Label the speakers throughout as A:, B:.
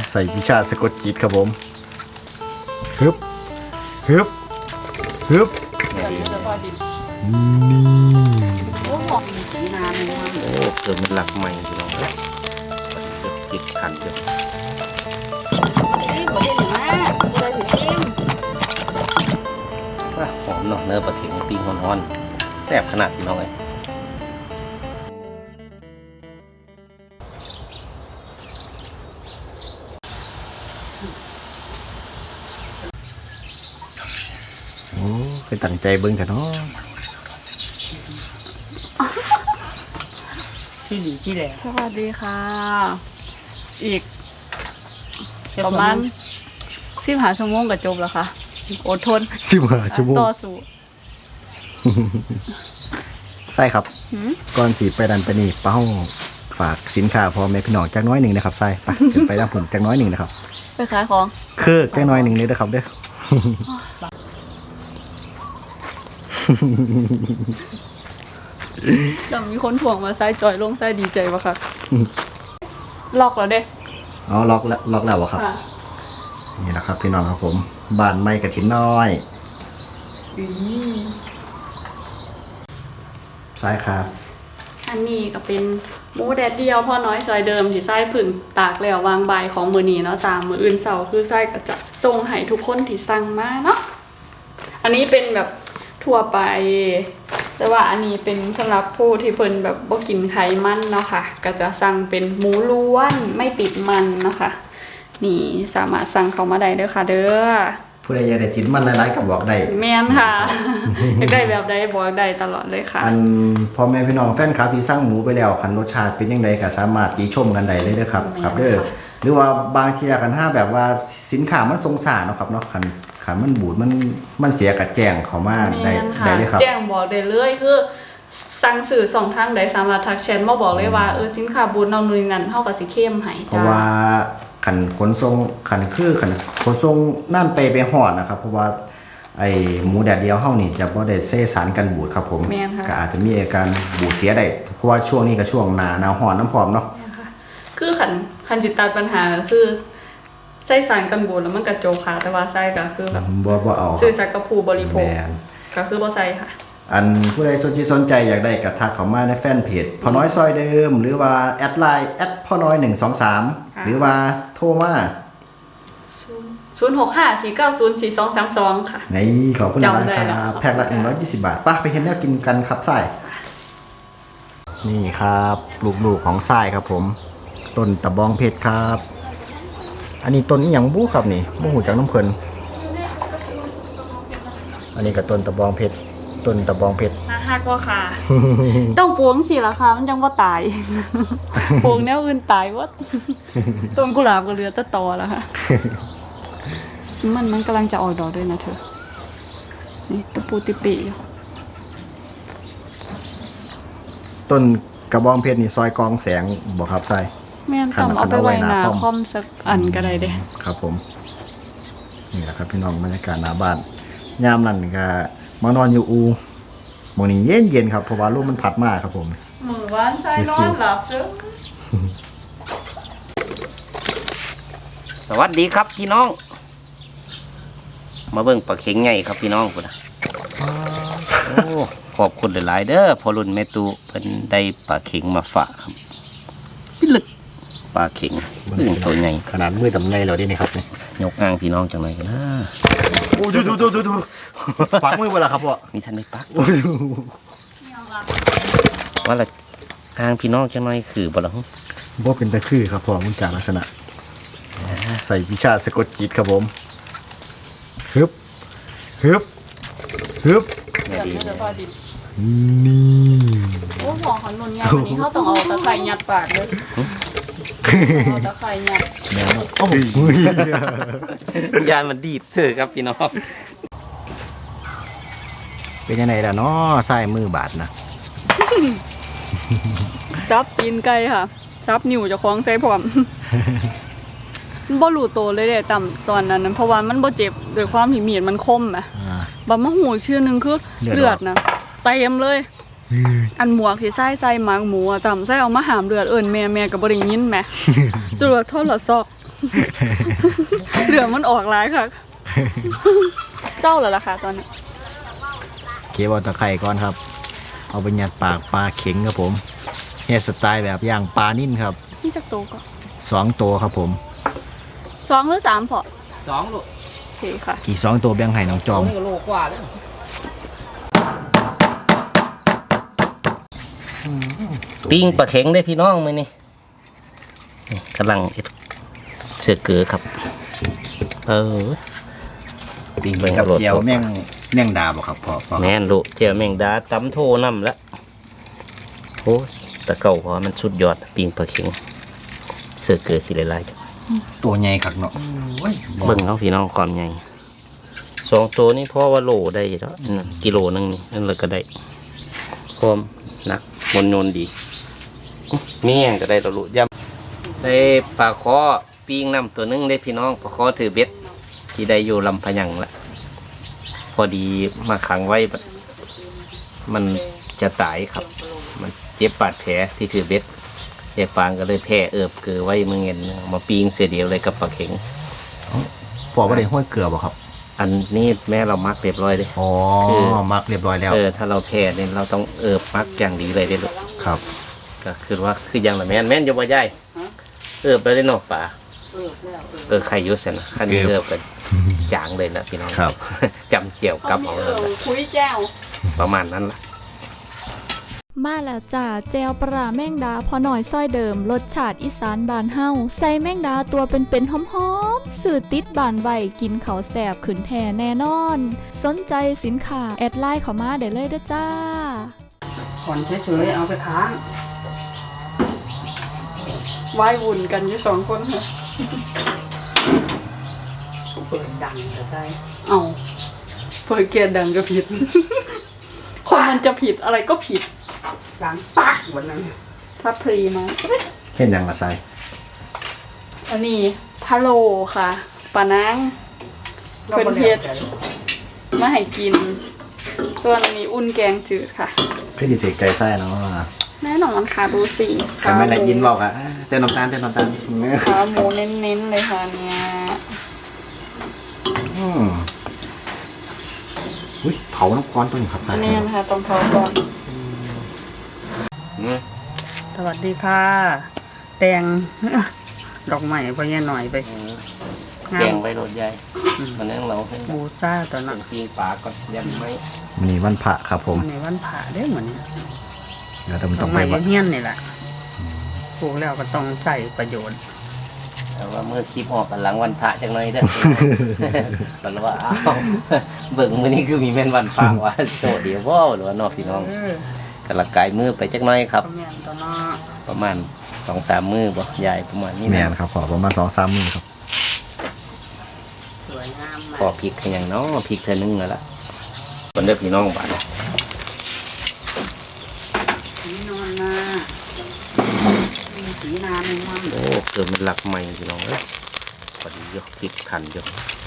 A: ใส่วิชาสะกดจิตครับผมฮึบฮึบฮึบนี่
B: โอ้หอมสีน้ำเลย
C: โอ้เกิดมันหลักใหม่พี่น้องเลยเก็บขันเยอะ
B: นี่บ่ได้หรือมาบ่ได้ถึงชิม
C: หอมเนาะเนื้อปลาเข็งปิ้งร้อนๆแซ่บขนาดพี่น้องเลย
A: โอ้เคยตั้งใจเบิ่งกันเนาะ
B: ที่ดีที่แหล
D: สวัสดีค่ะ อีกประมาณ15 ชั่วโมงก็จบแล้วค่ะ อดทน
A: 15 ชั่วโมง
D: ต่อสู้
A: ใช่ครับ
D: หืม
A: ก่อนสีไปดันไปนี่เป้าฝากสินค้าพอแม่พี่น้องจักน้อยหนึ่งนะครับใส่ไปเดี๋ยวไปด้านผมจักน้อยหนึ่งนะครับ
D: ไปขายของ
A: คือจักน้อยหนึ่งเลยนะครับเด้อ
D: แต่มีคนถ่วงมาไส้จอยลงไส้ดีใจปะคะล็อกแล้วเด้
A: อ๋อล็อกแล้วเหรอครับ
D: ค่ะ
A: นี่แหละครับพี่น้องครับผมบ้านไม้กระถินน้อยใช่ครับ
D: อันนี้ก็เป็นหมูแดดเดียวพ่อน้อยซอยเดิมที่ไส้ผึ่งตากแล้ววางใบายของมือนี้เนาะตามมืออื่นเสาร์คือไส้ก็จะส่งให้ทุกคนที่สั่งมาเนาะอันนี้เป็นแบบทั่วไป แต่ว่าอันนี้เป็นสำหรับผู้ที่เพิ่นแบบบ่กินไขมันเนาะค่ะก็จะสั่งเป็นหมูล้วนไม่ติดมันเนาะค่ะนี่สามารถสั่งเข้ามาได้เด้อค่ะเด้อ
A: ผู้ใดอยากได้กินมันหลายๆกับบอกได้
D: แม่นค่ะ อยากได้แบบใดบอกได้ตลอดเลยค่ะ
A: อันพ่อแม่พี่น้องแฟนคลับที่สั่งหมูไปแล้วคันรสชาติเป็นยังไงก็สามารถติชมกันได้เลยเด้อครับ
D: แม่น
A: ครับเด้อ
D: ค่ะ
A: หรือว่าบางทีกันถ้าแบบว่าสินค้ามันสงสารเนาะครับเนาะคันมันบูดมันเสียกับแจ้งเขามาได้
D: แม่นค่ะ
A: ได้เลยครับ
D: แจ้งบอกได้เลยคือสั่งสื่อสองทางใดสามารถทักแชทมาบอกเลยว่าสินค้าบูธนำนู่นนนั่นเฮาก็สิเข้มให้
A: เพราะ
D: จ้า
A: ว่าขันขนส่งขันขนส่งนั่นไปหอดนะครับ เพราะว่าไอหมูแดดเดียวเฮานี่จะบ่ได้เซสารกันบูดครับผม
D: แม่นค่ะ
A: ก็อาจจะมีอาการบูดเสียได้เพราะว่าช่วงนี้ก็ช่วงหน้าร้อนน้ำพร้อมเนาะ
D: แม่นค่ะคือคันจิตตัดปัญหาก็คือใช้สารกันบูดแล้วมันกระโจกค่ะแต่ว่าใส่ก็คือแบบ
A: บ่เอา
D: สื่อสัตย์กับผู้บริโภค
A: แม่น
D: ก็คือบ่ใส่ค่ะ
A: อันผู้ใดสนใจอยากได้ก็ทักเข้ามาในแฟนเพจพ่อน้อยซอยเดิม หรือว่าแอดไลน์พ่อน้อย123หรือว่าโทรมา
D: 0654904232 ค่ะ
A: ในขอบคุณมาก
D: จำได้
A: ค
D: แล้
A: รั
D: ว
A: บแพ็คละ120 บาทไป่ะไปเห็นแนวกินกันครับไส้นี่ครับลูกๆของไส้ครับผมต้นตะบองเพชรครับ อันนี้ต้นนี้อย่างบู้ครับนี่บู้หูจากน้ำเพลินอันนี้ก็ต้นตะบองเพชรต้นตะบองเพชร
D: ฮักว่าค่ะ ต้องปวงสิล่ะค่ะมันจังบ่ตาย ปวงแนวอื่นตายหมดต้นกุหลาบก็เหลือแต่ตอแล้วค่ะ มันกำลังจะออกดอกด้วยนะเธอ นี่ตะปูติปิอยู่
A: ต้นกระบองเพชรนี่ซอยกองแสงบอกครับไส้
D: แม่นต่ำเอาไปไว้หน้าคอมสักอันก็ได้เด้
A: ครับผมนี่แหละครับพี่น้องบรรยากาศหน้าบ้านยามนั้นก็มานอนอยู่อูหมองนี้เย็นๆครับเพราะว่าลมมันพัดมากครับผม
D: มือวานใส่นอนหลับซึง
C: สวัสดีครับพี่น้อง มาเบิ่งปลาเข็งใหญ่ครับพี่น้องพุ่นน่ะโอ้ขอบคุณหลายๆเด้อพอรุ่นแม่ตูเป็นได้ปลาเข็งมาฝากครับพี่ลึกปลาเข็งเรื่องตัวใหญ่
A: ขนาดมือตำไงเราได้นี่ครับนี่
C: ยกอ้างพี่น้องจังเลยกันนะ
A: โอ้ดูฟังมือเวลาครับพ่อ
C: นี่ท่านได้ปักว่าละอ้างพี่น้องจังเลยคือบ่ละหึ
A: บ่เป็นตะคือครับพ่อมันจากลักษณะใส่วิชาสะกดจิตครับผมฮึบฮึบฮึบ
D: เดี๋ยวมันจะพอดิบ
A: นี่
D: โอ้หอมขนุนใหญ่วันนี้เขาต้องเอาตะไคร้ยัดปากเลยเอาตะไคร้ยัด
A: แนวโอ้โห
C: ยานมันดีดเสือครับพี่น้อง
A: เป็นยังไงล่ะเนาะใส่มือบาดนะ
D: ซับตีนไก่ค่ะซับนิ้วเจะคล้าของใส่พร้อม มันบ่รู้โตวเลยเด้ต่ำตอนนั้นนะเพราะว่ามันบ่เจ็บด้วยความที่มีดมันคมอ่ะ บัดมาหูอีกชื่อหนึงคือ
A: เลือดออก
D: เลือดนะเต็มเลย อันหมวกที่ใส่หมางหมูอะต่ำใส่เอามาหามเลือดเอิ้นแม่ก็บ่ได้ยินแหม จรวดโทรศัพท์เหลือมันออกหลายค่ะ เจ้าเหรอล่ะคะตอนนี้
A: เก็บเอาตะไคร่ก่อนครับ เอาไปยัดปากปลาเข็งครับผมเฮ็ดสไตล์แบบย่างปลานิ่นครับ
D: นี่จากโตวก็
A: 2 ตัวครับผม
D: 2 หรือ 3พอ
C: 2 ลูก
D: โอเคค่ะ
A: อีก2 ตัวแบ่งให้น้องจอม
C: นี่ก็โลกว่าแล้วปิ้งปลาเข็งได้พี่น้องมื้อนี้นี่กำลังเอ็ดเสือเกือครับปิ้งเบิ่ง
A: กับ
C: โลด
A: เจียวแม่งดาบ่ครับพ่อ
C: แม่นลูกเจียวแมงดาตำโทน้ำละโอ้ตะเก่าพอมันสุดยอดปิ้งปลาเข็งเสือเกือสิหลายๆ
A: ตัวใหญ่คักเนาะ
C: เบิ่งเอาพี่น้องความใหญ่2 ตัวนี่พอว่าโลได้แล้วกิโลนึงนี่นั่นเลยก็ได้พร้อมหนักมนโนนดีมีแห้งก็ได้แล้วลูกย่ำได้ปลาคอปิ้งน้ำตัวนึงได้พี่น้องปลาคอถือเบ็ดที่ได้อยู่ลำพะยังละพอดีมาขังไว้มันจะตายครับ มันเจ็บบาดแผลที่ถือเบ็ดยายฟางก็เลยแพ้เอิบเกลือไว้เมื่อเงินมาปิ้งเสียเดียวเลยกับปลาเข็ง
A: พ่อบ่ได้ห้อยเกลือบ่ครับ
C: อันนี้แม่เรามักเรียบร้อยเลย
A: อ๋อ
C: คือ
A: มักเรียบร้อยแล้ว
C: ถ้าเราแพ้เนี่ยเราต้องเอิบมักอย่างดีเลยได้ลูก
A: ครับ
C: ก็คือว่าคืออย่างละแม่นจะบ่ใหญ่เอิบเลยได้เนาะป่าใครอยุ่เสนะขั้นนี้เอิบกันจางเลยนะพี่น้อง
A: ครับ
C: จำเจียวกับ
D: มี
C: เอาเลยนะ
D: คุยแจ้ว
C: ประมาณนั้นละ
E: มาแล้วจ้าแจวปลาแมงดาพอหน่อยซ้อยเดิมรสชาติอีสานบานเฮาใส่แมงดาตัวเป็นๆหอมๆสื่อติดบานไว้กินเขาวแสบขืนแท่แน่นอน สนใจสินค้าแอดไลน์เข้ามาได้เลยเด้อจ้า
B: ผ่อนเฉยๆเอาไปค้าง
D: วายวุ่นกันอยู่2 คนค่ะ
B: เปิดดังก็ได้
D: เอาเปิดเกียร์ดังก็ผิด คนมันจะผิดอะไรก็ผิด
B: ดังปักวันนั้น
D: ถ้าพรีมา
A: เห็นยังละไซ
D: อันนี้พะโลค่ะปลานางเพิ่นเฮ็ดมาให้กินส่วนอันนี้อุ่นแกงจืดค่ะ
A: พี่ดิเจกใจไส้เนาะ
D: แน่นอนค่ะดูสิ
A: แต่ไม่ได้ยินบอกอะเต้นน้ำตาลเนี่ย
D: ขาหมูเน้นๆเลยค่ะเนี่ย
A: อุ้ยเผาน้ำก้อนตัวนี้ครับ
D: อันนี้นะคะต้องเผาก่อน
B: สวัสดีค่ะ แตง ดอกไม้ไปเงี้ยหน่อยไป
C: แกงไว้รถใหญ่มันนั่งเราให้
B: บูซ่าตอน
C: เป็
B: นั้น
C: นปิ้งปลาก่อนยังไม่
A: มีวันพระครับผม
B: ในวันผ่าได้เหมือนนี้
A: เดี๋ยวต้อง
B: ด
A: ต้
B: อ
A: อก ง
B: ไม้
A: ไปวัด
B: เงี้ยนนี่แหละปลูกแล้วก็ต้องใส่ประโยชน์
C: แต่ว่าเมื่อคลิปออกกันหลังวันพระจังเลยเด้อ มันว่าอ้าวเบิ่งมื้อนี้คือมีแม่นวันพระว่าโตเดียวบ่หรือว่าน้องพี่น้องกระกายมือไปจักหน่อยครับ
B: ก็แม่นตอนนั้น
C: ประมาณ 2-3 มือบ่ใหญ่ประมาณนี้
A: แม
C: นะ
A: นครับขอประมาณ2-3 มื้อครับ
B: สวยงาม
C: พอพริกคือหยังเนาะพริกเทื่อนึงแล้วล่ะคนเด้อพี่น้องบ้าน
B: สีนอนมาสีนาหนึ่งวัน
C: โอ้เกิดมันหลักใหม่พี่น้องเอ้ยพอดียกพริกทันอยู่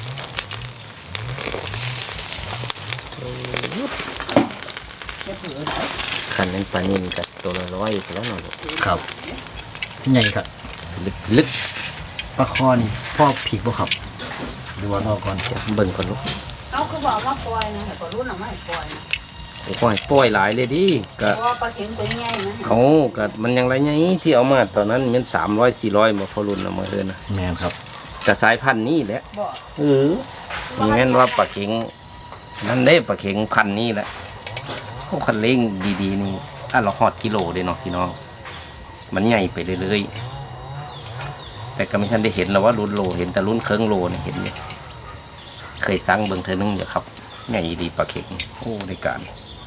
C: คันนั้นปลานิ่มกับตัวละ100อยู่แล้วเนาะลูก
A: ครับใหญ่ครับ
C: ลึก
A: ปลาคอนี่พ่อผีกบ่ครับดูว่าพ่อก่อน
C: เบิ่งก่อนลูก
B: เอาคือบอกว่าปล่อยนะแต่ก็รุ่นออกมาให้ปล่อยนะ
C: โอ้ยปล่อยหลายเลยดิก็
B: เพราะว่าปลาเข็งตัวใหญ่นะ
C: เขาก็มันยังไรไงที่เอามาตอนนั้นมัน300-400มาพอรุ่นเอามาเอิ้นนะ
A: แมนครับ
C: แต่สายพันธุ์นี้แหละ
B: บอก
C: มีแม่นว่าปลาเข็งนั่นได้ปลาเข็งพันธุ์นี้แหละพวกคันเร่งดีๆนี่เราฮอดกิโลเด้เนาะพี่น้องมันใหญ่ไปเรื่อยๆแต่ก็ไม่ทันได้เห็นแล้วว่ารุ่นโลเห็นแต่รุ่นเครื่องโลเนี่ยเห็นเนี่ยเคยสั่งเบิ่งเธอนึงอยู่ครับใหญ่ดีปลาเข็งโอ้ในการ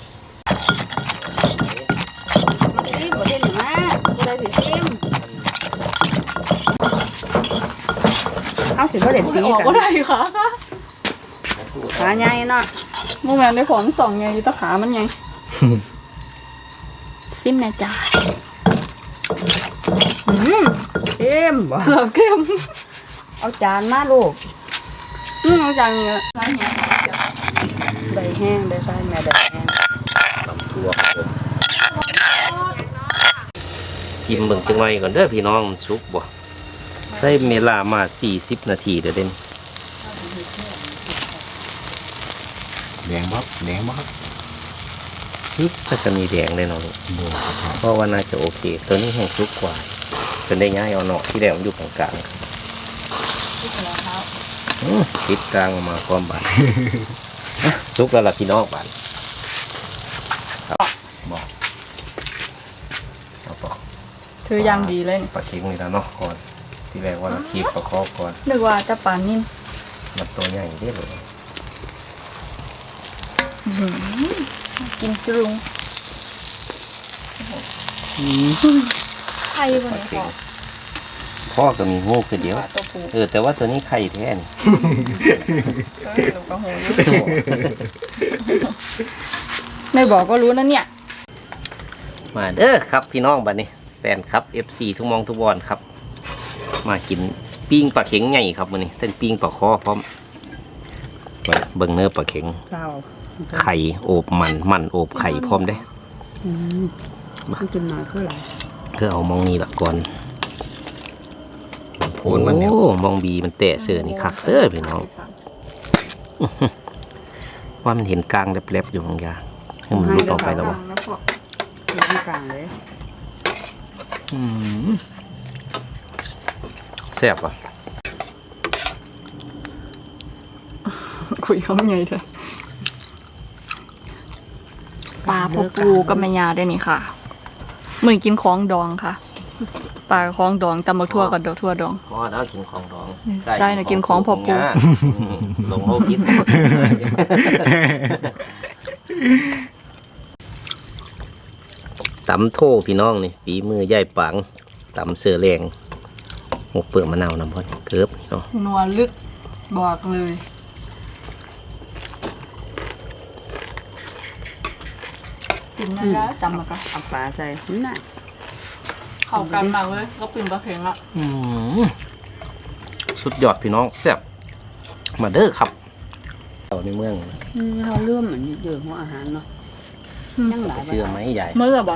B: ซิมประเทศไหนมากูได้สิซิมเอาสิบ่ได้
D: ไม่
B: ปี
D: ออก
B: กั
D: ก็
B: น
D: ได้ค่ะ
B: ขาใหญ่เนาะ
D: โมแมนได้ผล2ไงตะขามันไง
E: ซิมแน่จ้า
B: เข้มบ่
D: เหลือเข้ม
B: เอาจานมาลูก
D: เอาจังเงี้ยไรเงี้ย
B: ได้แห้งได้ใส่แม่ได้แห้ง
C: ตำทั่วครับผมจิ้มเบิ่งจังไงก่อนเด้อพี่น้องมันสุกบ่ใส่เวลามา40 นาทีเด้อเด่น
A: แดงบ่แดงบ่ครับ
C: ก็จะมีแดงเลยเนาะลูก
A: บ่ครับพ่อ
C: เพราะว่าน่าจะโอเค ตัวนี้แห้งสุกกว่าจนได้ง่ายเอาเนาะที่แรกมันอยู่กลางๆติดกลางมาความบาน สุกแล้วล่ะพี่น้องบานครับบอกเอาปอก
B: ถืออย่างดีเลยนี่
C: ปลาเค็งนี่แล้วเนาะก่อนที่แรกว่าเราคีบปลาคอก่อน
B: นึกว่าจะปลานิ่ม
C: มันตัวใหญ่ได้เลย
E: กินจรุงไข่วันนี้พอ
C: พ่อก็มีงูคือเดียว
B: ตัวปู
C: แต่ว่าตัวนี้ไข่แท้น
B: หนูก็โหไม่บอกก็รู้นะเนี่ย
C: มาเด้อครับพี่น้องบัดนี้แฟนครับ FC ทุกมองทุกบอลครับ มากินปิ้งปลาเข็งใหญ่ครับมื้อนี้เป็นปิ้งปลาคอพร้อมเบิ่งเนื้อปลาเข็ง
B: เจ้า
C: ไข่โอบมันโอบไข่พร้อมได้
B: มันกินน้อยคืออะไร
C: คือเอามองนี้ละก่อน
A: โผล่มันเนี่ย
C: โอ้มองบีมันแตะเสือนี่คักเด้อพี่น้อง ว่ามันเห็นกลางแลบๆอยู่บางอย่างให้มันรุดออกไปแล้ววะ
B: แล้วพออยู่กลางเลย
C: แซ่บอ่ะ
B: คุยเขาไงเถอะ
E: ปลาพอปูกับแม่ยาได้นี่ค่ะเหมือนกินของดองค่ะปลาของดองตำบักทั่วกับดอกทั่วดอง
C: พอแล้วกินของดอง
E: ใช่น่ะกินของพอปู
C: ลงโลกิน ตำโทพี่น้องนี่ฝีมือย่ายปังตำเสือแรงหมกเปลือกมะนาวน้ำพอดเกิบเนาะ
E: นัวลึกบอกเลยกินได้แล้วจำมากัน
B: เอาปลาใส่น่ะ
E: เข้ากันมากเลยก็ปิ่นปลาเข็งละ
C: สุดยอดพี่น้องแซ่บมาเด้อครับเอาในเมือง
B: เราเลื่อมเหมือนเยอะหัวอาหารเนาะยังหลาย
C: เชื่อไหมใหญ่
E: เมื่อบ่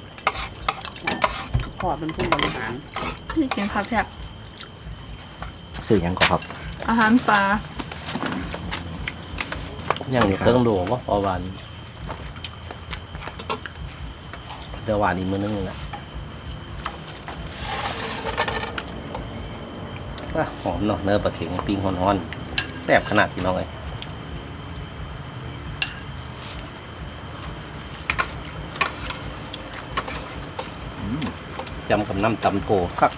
B: พอเป็นผู้บริหาร
E: ที่กินผักแซ่บ
C: ซื้อหยังก็ครับ
E: อาหารปลา
C: ยังอยู่เครื่องโดว่าพอวันเดี๋ยววันอีกมื้อนึงนะว่าหอมเนาะเนื้อปลาเข็งปิ้งฮ้อนๆแซ่บขนาดพี่น้องเลยจำกับน้ำตำโถครับ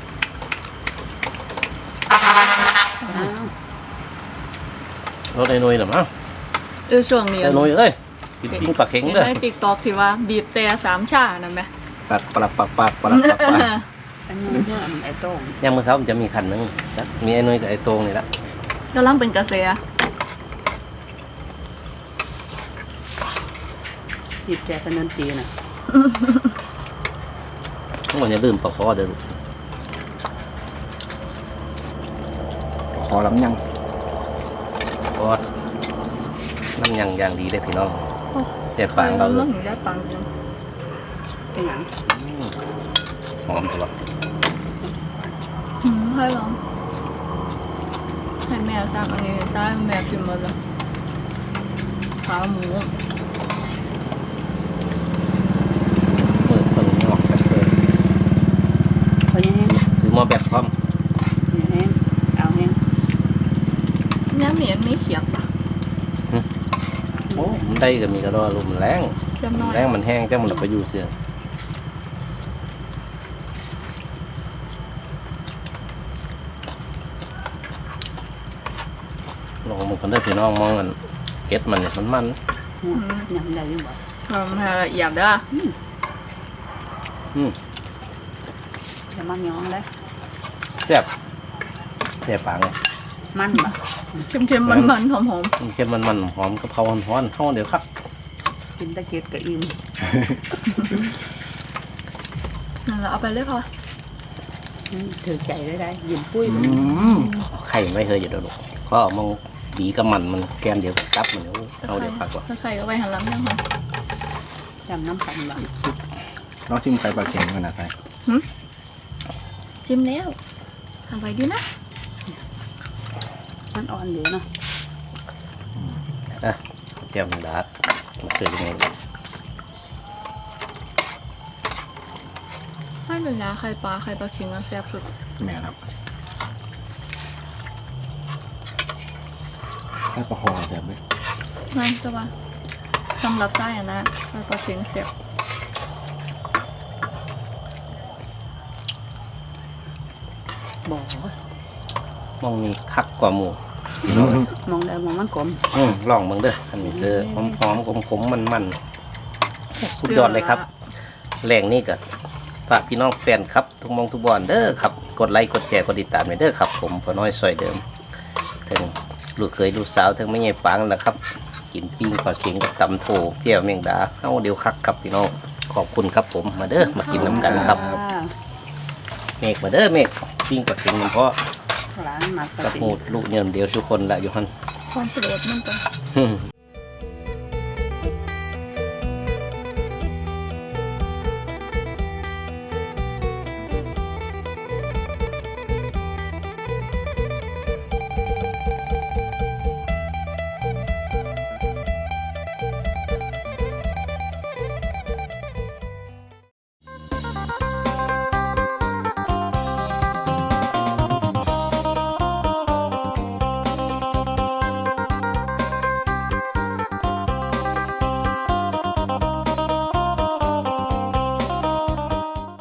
C: รถไอ้นุ้ยเหรอมั้ง
E: ช่วงนี้
C: ไอ้นุ้ยเอ้ยกินปิ้งปลาเข็งเด้อ
E: ในติ๊กต็อกที่ว่าบีบแต่สามชานั่นไหม
C: ปักปลักปักปักปลักปักปัก
B: อันนี้เพื่อนไอ้โต้ง
C: ยังมื้อเช้ามันจะมีคันหนึงนะมีไอ้นุ้ยกับไอ้โตงนี่ละ
E: กำลังเป็นกระแส
B: จิบแจกกันนตีน่ะ
C: ทั้งหมดอย่าลืมปลาคอเด้อลูก
A: ขอลำยัง
C: เพราะน้ำยังอย่างดีเลยพี่น้องแต่ปางเรา
E: เรื่องหนูได้ปังจริง
B: เป็นหยัง
C: หอมตลอด
E: ให้ลองให้แม่สั่งอันนี้ได้แม่กินหมดแล้วขาหมู
C: มือคนงอกแบบเดิม
B: เขายังแห้ง
C: ซื้อมาแบบพร้อม
B: ยังแห้งเอาแห้ง
E: เนี่ยเหมียนไม่เขียบอ่ะ
C: โอ้มันได้ก็มีกระโดดลมแรง
E: เขียบน้อย
C: แรงมันแห้งแต่มันไปอยู่เสือลองมึงคนได้พี่น้องมองกันเก็ดมันเนี่ยมัน
B: ยังได้อยู่บ่
E: ทำให้ละเอียดเด้อ
B: จะมันย้องเลย
C: แซ่บแซ่บปางเลย
B: มันบ่
E: เค็มๆมันๆหอม
C: มันเค็มมันหอมกะเพราฮ้อนๆเข้าเดี๋ยวครับ
B: กินตะเกียบกับอิ่ม
E: ๆนั่นแหละเอาไปเลยค่ะ
B: ถือใจได้ยิ้มปุ้ย
C: ไข่ไม่เคยอยู่เดี๋ยวลูกก็เอามองบีกับมันแกมเดี๋ยวจับมันเดี๋ยวเอาเดี๋ยวพักว่า
E: ถ้าใครก็ไปหันหลังยังค่ะ
B: จำน้ำปันบ่
A: น้องชิมไข่ปลาเค็งกันนะใส่
E: ชิมแล้วทำไปดีนะ
B: มันอ่อนดีเนาะ
C: อ่ะเจียวแมงดามาซื้อยังไงดี
E: ให้หนึ่งนะไข่ปลาเค็งแซ่บสุด
A: แม่ครับแค่ประคองแบบนี้
E: ไม่จะว่าสำหรับไส้อะนะไข่ปลาเค็งแซ่บ
B: บอก
C: มองนี่คักกว่าหมู
B: มองได้มองมันกลม
C: ลองเบิ่งเด้ออันนี้คือหอมๆขมๆมันๆสุดยอดเลยครับแหล่งนี่ก็ฝากพี่น้องแฟนครับทุกมองทุกบอนเด้อครับกดไลค์กดแชร์กดติดตามหน่อยเด้อครับผมพอน้อยซอยเดิมถึงลูกเคยลูกสาวถึงไม่ใหญ่ปังแล้วครับกินปิ้งปลาเค็งกับตำโถเจียวแมงดาเอาเดี๋ยวคักครับพี่น้องขอบคุณครับผมมาเด้อมากินน้ำกันครับเมฆมาเด้อเมฆปิ้งปลาเค็งเพราะ
B: ร้านมาส
C: กับ
B: ติ
C: หมูลูกเนี่ยเดียวทุกคนละอยู่ฮัน
E: ความโปรดมันก็
C: อืม